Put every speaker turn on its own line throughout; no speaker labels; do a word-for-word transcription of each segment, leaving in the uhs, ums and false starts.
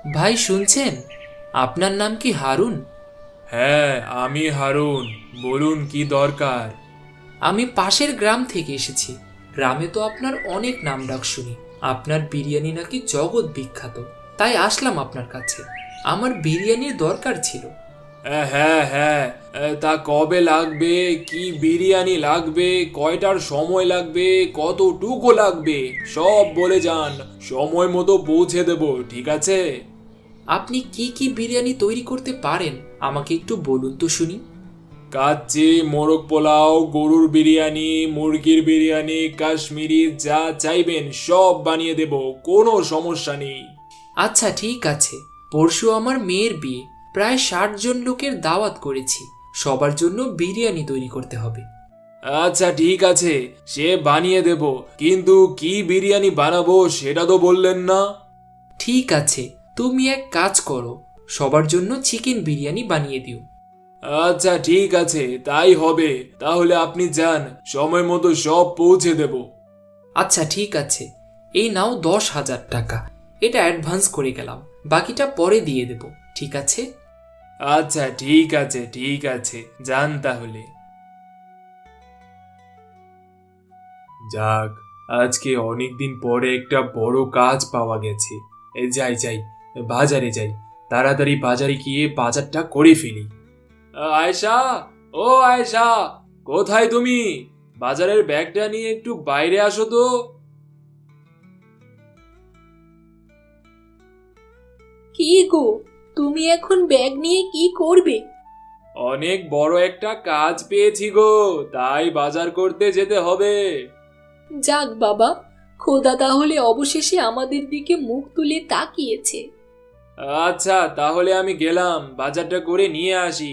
ভাই শুনছেন, আপনার নাম কি হারুন?
হ্যাঁ, আমি হারুন। বলুন কি দরকার?
আমি পাশের গ্রাম থেকে এসেছি। গ্রামে তো আপনার অনেক নাম ডাক শুনি। আপনার বিরিয়ানি নাকি জগৎ বিখ্যাত। তাই আসলাম আপনার কাছে। আমার বিরিয়ানির দরকার ছিল।
আহ, হ্যাঁ হ্যাঁ আহ, তা কবে লাগবে? কি বিরিয়ানি লাগবে? কয়টার সময় লাগবে? কতটুকু লাগবে? সব বলে যান, সময় মতো পৌঁছে দেব, ঠিক আছে?
আপনি কি কি বিরিয়ানি তৈরি করতে পারেন আমাকে একটু বলুন তো শুনি।
কাচ্চি, মোরগ পোলাও, গরুর বিরিয়ানি, মুরগির বিরিয়ানি, কাশ্মীরি, যা চাইবেন সব বানিয়ে দেব, কোনো সমস্যা নেই।
আচ্ছা ঠিক আছে। পরশু আমার মেয়ের বিয়ে। প্রায় ষাট জন লোকের দাওয়াত করেছি। সবার জন্য বিরিয়ানি তৈরি করতে হবে।
আচ্ছা ঠিক আছে, সে বানিয়ে দেব, কিন্তু কি বিরিয়ানি বানাবো সেটা তো বললেন না।
ঠিক আছে, তুমি এক কাজ করো, সবার জন্য চিকেন বিরিয়ানি বানিয়ে দিও।
আচ্ছা ঠিক আছে, তাই হবে। তাহলে আপনি যান, সময় মতো সব পৌঁছে দেব।
আচ্ছা ঠিক আছে, এই নাও দশ হাজার টাকা। এটা অ্যাডভান্স করে গেলাম, বাকিটা পরে দিয়ে দেব, ঠিক আছে?
আচ্ছা ঠিক আছে, ঠিক আছে, যান তাহলে। যাক, আজকে অনেকদিন পরে একটা বড় কাজ পাওয়া গেছে। এ, যাই যাই, বাজারে যাই, তাড়াতাড়ি বাজারে গিয়ে বাজারটা করে ফেলি। আয়েশা, ও আয়েশা, কোথায় তুমি? বাজারের ব্যাগটা নিয়ে একটু বাইরে আসো তো।
কি গো, তুমি এখন ব্যাগ নিয়ে কি করবে?
অনেক বড় একটা কাজ পেয়েছি গো, তাই বাজার করতে যেতে হবে।
যাক বাবা, খোদা তাহলে অবশেষে আমাদের দিকে মুখ তুলে তাকিয়েছে।
আচ্ছা তাহলে আমি গেলাম, বাজারটা করে নিয়ে আসি।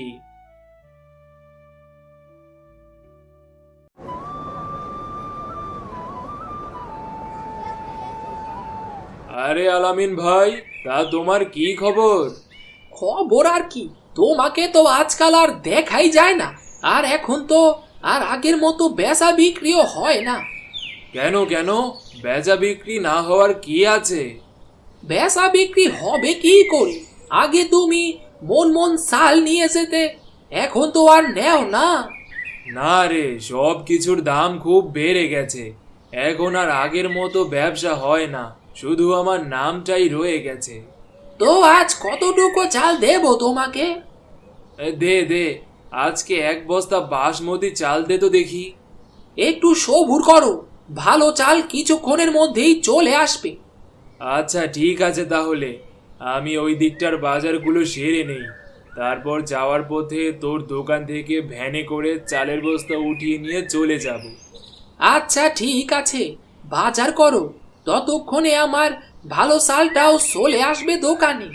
আরে আলামিন ভাই, তা তোমার কি খবর?
খবর আর কি, তোমাকে তো আজকাল আর দেখাই যায় না। আর এখন তো আর আগের মতো বেচা বিক্রিও হয় না।
কেন কেন, বেচা বিক্রি না হওয়ার কি আছে?
বেচা বিক্রি হবে কি করে? আগে তুমি মন মন চাল নিয়ে যেতে, এখন তো আর নেও না।
না রে, সব কিছুর দাম খুব বেড়ে গেছে। এখন আর আগের মতো ব্যবসা হয় না, শুধু আমার নামটাই রয়ে গেছে।
তো আজ কতটুকু চাল দেবো তোমাকে?
এ, দে দে, আজকে এক বস্তা বাসমতি চাল দে তো দেখি।
একটু সবুর করো, ভালো চাল কিছুক্ষণের মধ্যেই চলে আসবে।
আচ্ছা ঠিক আছে, তাহলে আমি ওই দিকটার বাজারগুলো সেরে নেই, তারপর যাওয়ার পথে তোর দোকান থেকে ভ্যানে করে চালের বস্তা উঠিয়ে নিয়ে চলে যাব।
আচ্ছা ঠিক আছে, বাজার করো, ততক্ষণে আমার ভালো চালটাও চলে আসবে দোকানে।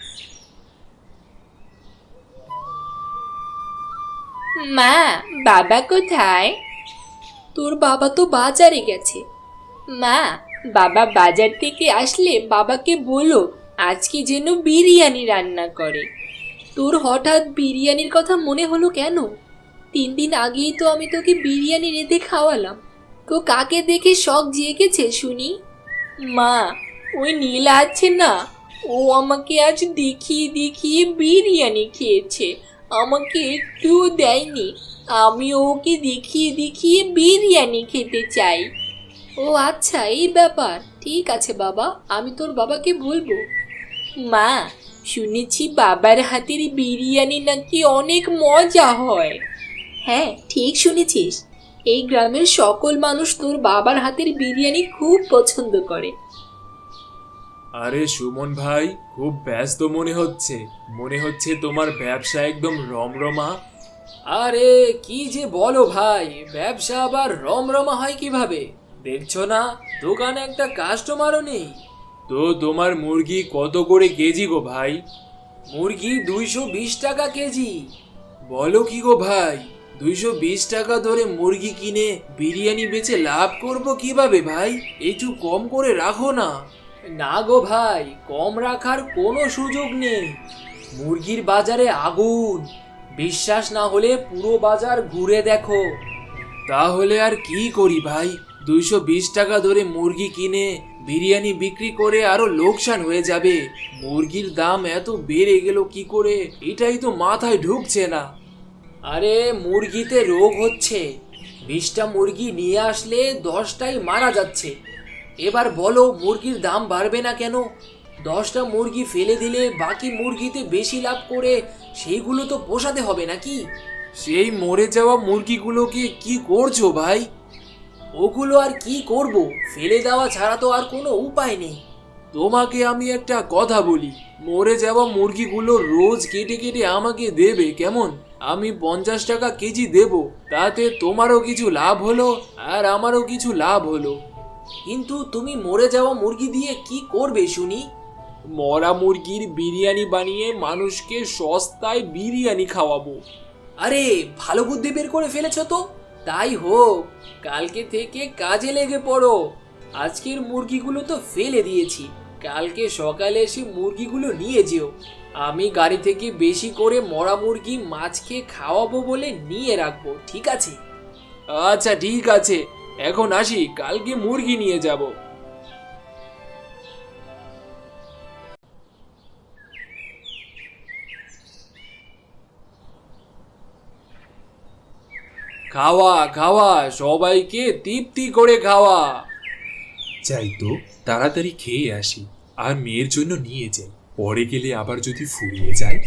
মা, বাবা কোথায়? তোর বাবা তো বাজারে গেছে। মা, বাবা বাজার থেকে আসলে বাবাকে বলো আজকে যেন বিরিয়ানি রান্না করে। তোর হঠাৎ বিরিয়ানির কথা মনে হলো কেন? তিন দিন আগেই তো আমি তোকে বিরিয়ানি রেঁধে খাওয়ালাম। তো কাকে দেখে শখ জেগেছে শুনি? মা, ওই নীলা আছে না, ও আমাকে আজ দেখিয়ে দেখিয়ে বিরিয়ানি খেয়েছে, আমাকে একটুও দেয়নি। আমি ওকে দেখিয়ে দেখিয়ে বিরিয়ানি খেতে চাই। ও আচ্ছা, এই ব্যাপার। ঠিক আছে বাবা, আমি তোর বাবাকে বলবো। মা, শুনেছি বাবার হাতের বিরিয়ানি নাকি অনেক মজা হয়। হ্যাঁ, ঠিক শুনেছিস। এই গ্রামের সকল মানুষ তোর বাবার হাতের বিরিয়ানি খুব পছন্দ করে।
আরে সুমন ভাই, খুব ব্যস্ত মনে হচ্ছে। মনে হচ্ছে তোমার ব্যবসা একদম রমরমা।
আরে কি যে বলো ভাই, ব্যবসা আবার রমরমা হয় কিভাবে? দেখছো না দোকানে একটা কাস্টমারও নেই।
তো তোমার মুরগি কত করে কেজি গো ভাই?
মুরগি দুইশো বিশ টাকা কেজি।
বলো কি গো ভাই, দুইশো বিশ টাকা ধরে মুরগি কিনে বিরিয়ানি বেচে লাভ করব কিভাবে ভাই? একটু কম করে রাখো না।
না গো ভাই, কম রাখার কোনো সুযোগ নেই। মুরগির বাজারে আগুন। বিশ্বাস না হলে পুরো বাজার ঘুরে দেখো।
তাহলে আর কি করি ভাই? দুইশো বিশ টাকা ধরে মুরগি কিনে বিরিয়ানি বিক্রি করে আরো লোকসান হয়ে যাবে। মুরগির দাম এত বেড়ে গেল কি করে, এটাই তো মাথায় ঢুকছে না।
আরে মুরগিতে রোগ হচ্ছে, বিশটা মুরগি নিয়ে আসলে দশটাই মারা যাচ্ছে। এবার বলো মুরগির দাম বাড়বে না কেন? দশটা মুরগি ফেলে দিলে বাকি মুরগিতে বেশি লাভ করে সেইগুলো তো পোষাতে হবে নাকি?
সেই মরে যাওয়া মুরগিগুলোকে কি করছো ভাই?
ওগুলো আর কি করব, ফেলে দেওয়া ছাড়া তো আর কোনো উপায় নেই।
তোমাকে আমি একটা কথা বলি, মরে যাওয়া মুরগিগুলো রোজ কেটে কেটে আমাকে দেবে কেমন? আমি পঞ্চাশ টাকা কেজি দেব, তাতে তোমারও কিছু লাভ হলো আর আমারও কিছু লাভ হলো।
কিন্তু তুমি মরে যাওয়া মুরগি দিয়ে কি করবে শুনি?
মরা মুরগির বিরিয়ানি বানিয়ে মানুষকে সস্তায় বিরিয়ানি খাওয়াবো।
আরে ভালো বুদ্ধি বের করে ফেলেছো তো, তাই হোক, কালকে থেকে কাজে লেগে পড়ো। আজকের মুরগিগুলো তো ফেলে দিয়েছি, কালকে সকালে এসে মুরগিগুলো নিয়ে যেও। আমি গাড়ি থেকে বেশি করে মরা মুরগি মাছকে খাওয়াবো বলে নিয়ে রাখবো, ঠিক আছে?
আচ্ছা ঠিক আছে, এখন আসি, কালকে মুরগি নিয়ে যাব। খাওয়া খাওয়া, সবাইকে তৃপ্তি করে খাওয়া। যাই তো তাড়াতাড়ি খেয়ে আসি, আর মেয়ের জন্য নিয়ে যাই, পরে গেলে আবার যদি ফুরিয়ে যায়।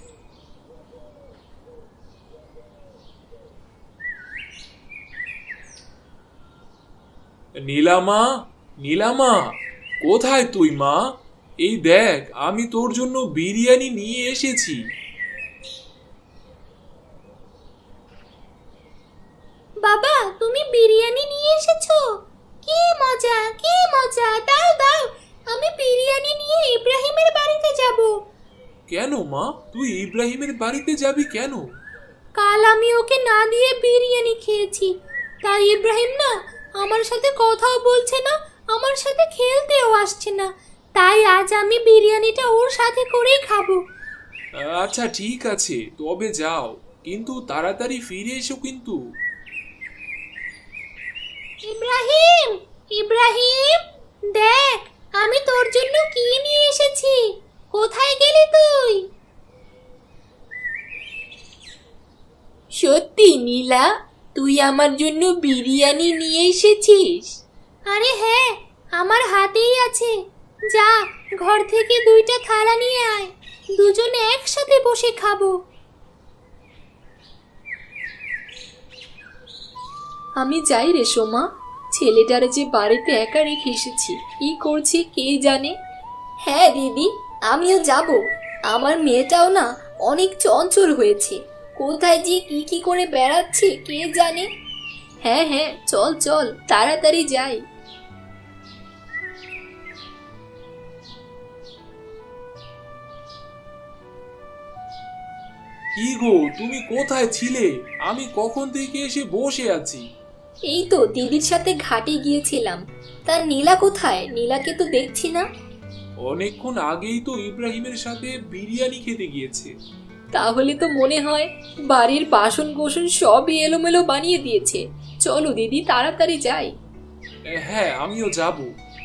নীলামা, নীলামা, কোথায় তুই মা? এই দেখ, আমি তোর জন্য বিরিয়ানি নিয়ে এসেছি।
বাবা, তুমি বিরিয়ানি নিয়ে এসেছো? কি মজা, কি মজা! দাও দাও, আমি বিরিয়ানি নিয়ে ইব্রাহিমের বাড়িতে যাব।
কেন মা, তুই ইব্রাহিমের বাড়িতে যাবি কেন?
কাল আমি ওকে না দিয়ে বিরিয়ানি খেয়েছি, তাই ইব্রাহিম না আমার সাথে কথাও বলছে না, আমার সাথে খেলতেও আসছে না। তাই আজ আমি বিরিয়ানিটা ওর সাথে করেই খাবো।
আচ্ছা ঠিক আছে, তবে যাও, কিন্তু তাড়াতাড়ি ফিরে এসো কিন্তু।
ইব্রাহিম, ইব্রাহিম, দেখ আমি তোর জন্য কি নিয়ে এসেছি। কোথায় গেলি তুই? সত্যি নীলা, তুই আমার জন্য বিরিয়ানি নিয়ে এসেছিস? আরে হ্যাঁ, আমার হাতেই আছে। যা, ঘর থেকে দুইটা থালা নিয়ে আয়, দুজনে একসাথে বসে খাবো। আমি যাই রে সোমা, ছেলেটার যে বাড়িতে একা রেখে এসেছি, কি করছে কে জানে। হ্যাঁ দিদি, আমিও যাব। আমার মেয়েটাও না অনেক চঞ্চল হয়েছে, কোথায় যে কি কি করে বেড়াচ্ছে কে জানে। হ্যাঁ হ্যাঁ, চল চল, তাড়াতাড়ি যাই।
কি গো, তুমি কোথায় ছিলে? আমি কখন থেকে এসে বসে আছি।
এই তো দিদির সাথে ঘাটে গিয়েছিলাম। তার নীলা কোথায়? নীলাকে তো দেখছি না।
অনেকক্ষণ আগেই তো ইব্রাহিমের সাথে বিরিয়ানি খেতে গিয়েছে।
তাহলে তো মনে হয় বাড়ির বাসন কোসন সবই এলোমেলো বানিয়ে দিয়েছে। চলো দিদি, তাড়াতাড়ি যাই।
হ্যাঁ, আমিও যাব।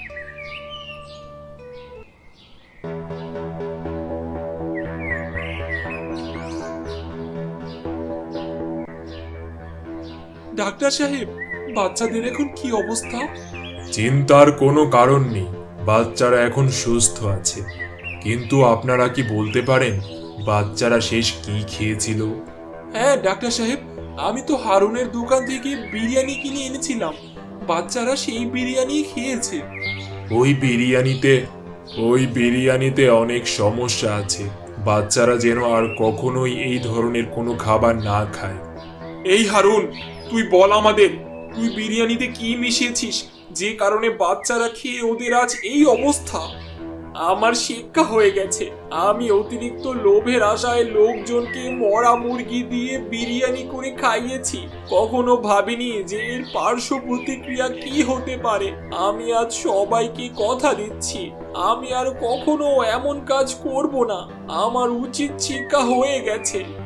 ডাক্তার সাহেব, বাচ্চাদের এখন কি অবস্থা? চিন্তার কোনো কারণ নেই, বাচ্চারা এখন সুস্থ আছে। কিন্তু আপনারা কি বলতে পারেন বাচ্চারা শেষ কি খেয়েছিল? হ্যাঁ ডাক্তার সাহেব, আমি তো হারুনের দোকান থেকে বিরিয়ানি কিনে এনেছিলাম, বাচ্চারা সেই বিরিয়ানি খেয়েছে। ওই বিরিয়ানিতে ওই বিরিয়ানিতে অনেক সমস্যা আছে, বাচ্চারা যেন আর কখনোই এই ধরনের কোনো খাবার না খায়। এই হারুন, তুই বল আমাদের, তুই বিরিয়ানিতে কি মিশিয়েছিস যে কারণে বাচ্চারা খেয়ে ওদের আজ এই অবস্থা? আমার শিক্ষা হয়ে গেছে, আমি অতিরিক্ত লোভের আশায় লোকজনকে মরা মুরগি দিয়ে বিরিয়ানি করে খাইয়েছি। কখনো ভাবিনি যে এর পার্শ্ব প্রতিক্রিয়া কি হতে পারে। আমি আজ সবাইকে কথা দিচ্ছি, আমি আর কখনো এমন কাজ করব না। আমার উচিত শিক্ষা হয়ে গেছে।